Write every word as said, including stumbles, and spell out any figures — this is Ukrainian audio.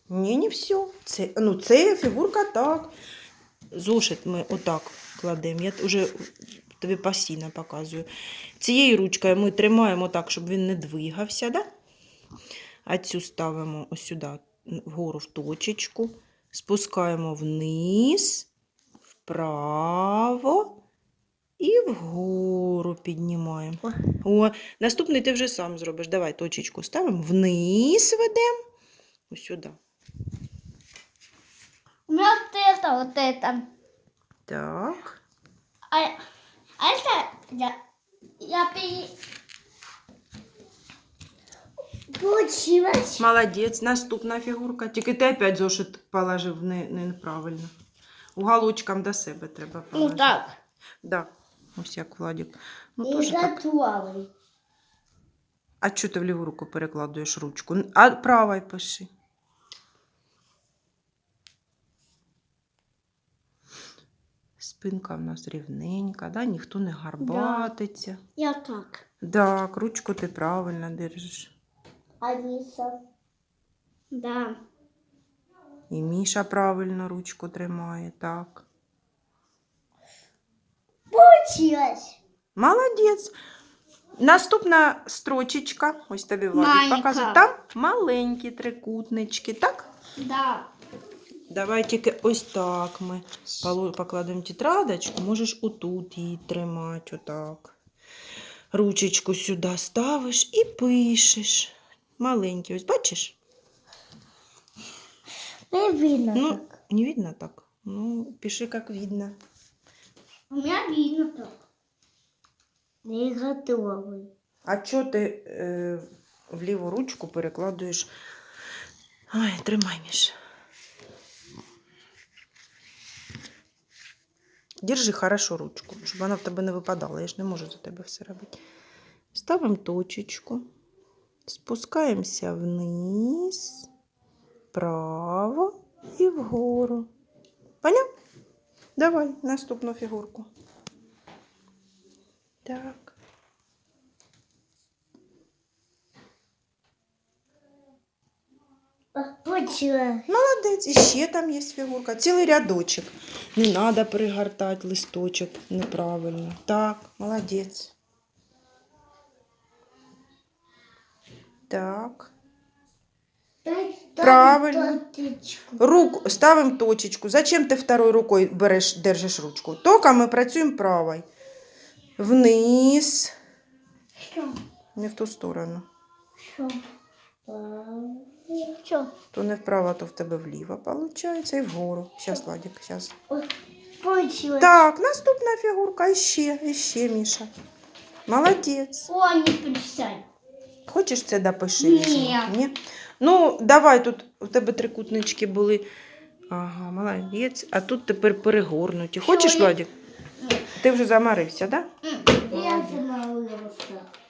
Ні, не все. Це, ну, це фігурка так. Зошит ми отак кладемо. Я вже тобі постійно показую. Цією ручкою ми тримаємо так, щоб він не двигався, да? А цю ставимо ось сюди, вгору в точечку. Спускаємо вниз, вправо і вгору піднімаємо. О, наступний ти вже сам зробиш. Давай точечку ставимо, вниз ведемо, ось сюди. У меня вот это, вот это. Так. А, а это я, я пере... Получилось. Молодець, наступна фігурка. Тільки ти опять зошит положив не, неправильно. Уголочком до себе треба положити. Ну так. Да. Ось як Владик. Ну, Не тоже так. готовый. А чого ти в ліву руку перекладуєш ручку? А правой пиши. Спинка в нас рівненька, да? Ніхто не гарбатиться. Я так. Так, ручку ти правильно держиш. Алиса. Да. І Міша правильно ручку тримає, так. Получилось. Молодець. Наступна строчечка, ось тобі Владик Маленька. показує. Там маленькі трикутнички, так? Да. Давай тільки ось так ми покладемо тетрадочку. Можеш отут її тримати, отак. Ручечку сюди ставиш і пишеш. Маленький, ось бачиш? Не видно Ну, так. не видно так? Ну, пиши, як видно. У меня видно так. Не готовый. А чого ти е, в ліву ручку перекладуєш? Ой, тримай, Міш. Держи хорошо ручку, щоб вона в тебе не випадала. Я ж не можу за тебе все робити. Ставимо точечку. Спускаємося вниз, вправо і вгору. Поняв? Давай наступну фігурку. Так. Получилось. Молодець. І ще там є фігурка. Цілий рядочок. Не треба перегортати листочок неправильно. Так, молодець. Так. Правильно. Руку ставимо точечку. Зачем ти второй рукою береш, держиш ручку? Тільки ми працюємо правою. Вниз. Що? Не в ту сторону. Що? Що? То не вправо, то в тебе вліво, виходить. І вгору. Зараз, Владик, зараз. Получилось. Так, наступна фігурка. Іще, іще, Міша. Молодець. О, не присядь. Хочеш це допиши? Ні. Ні? Ну, давай, тут у тебе трикутнички були. Ага, молодець. А тут тепер перегорнуті. Хочеш, Що? Владик? Ти вже замарився, так? Да? М.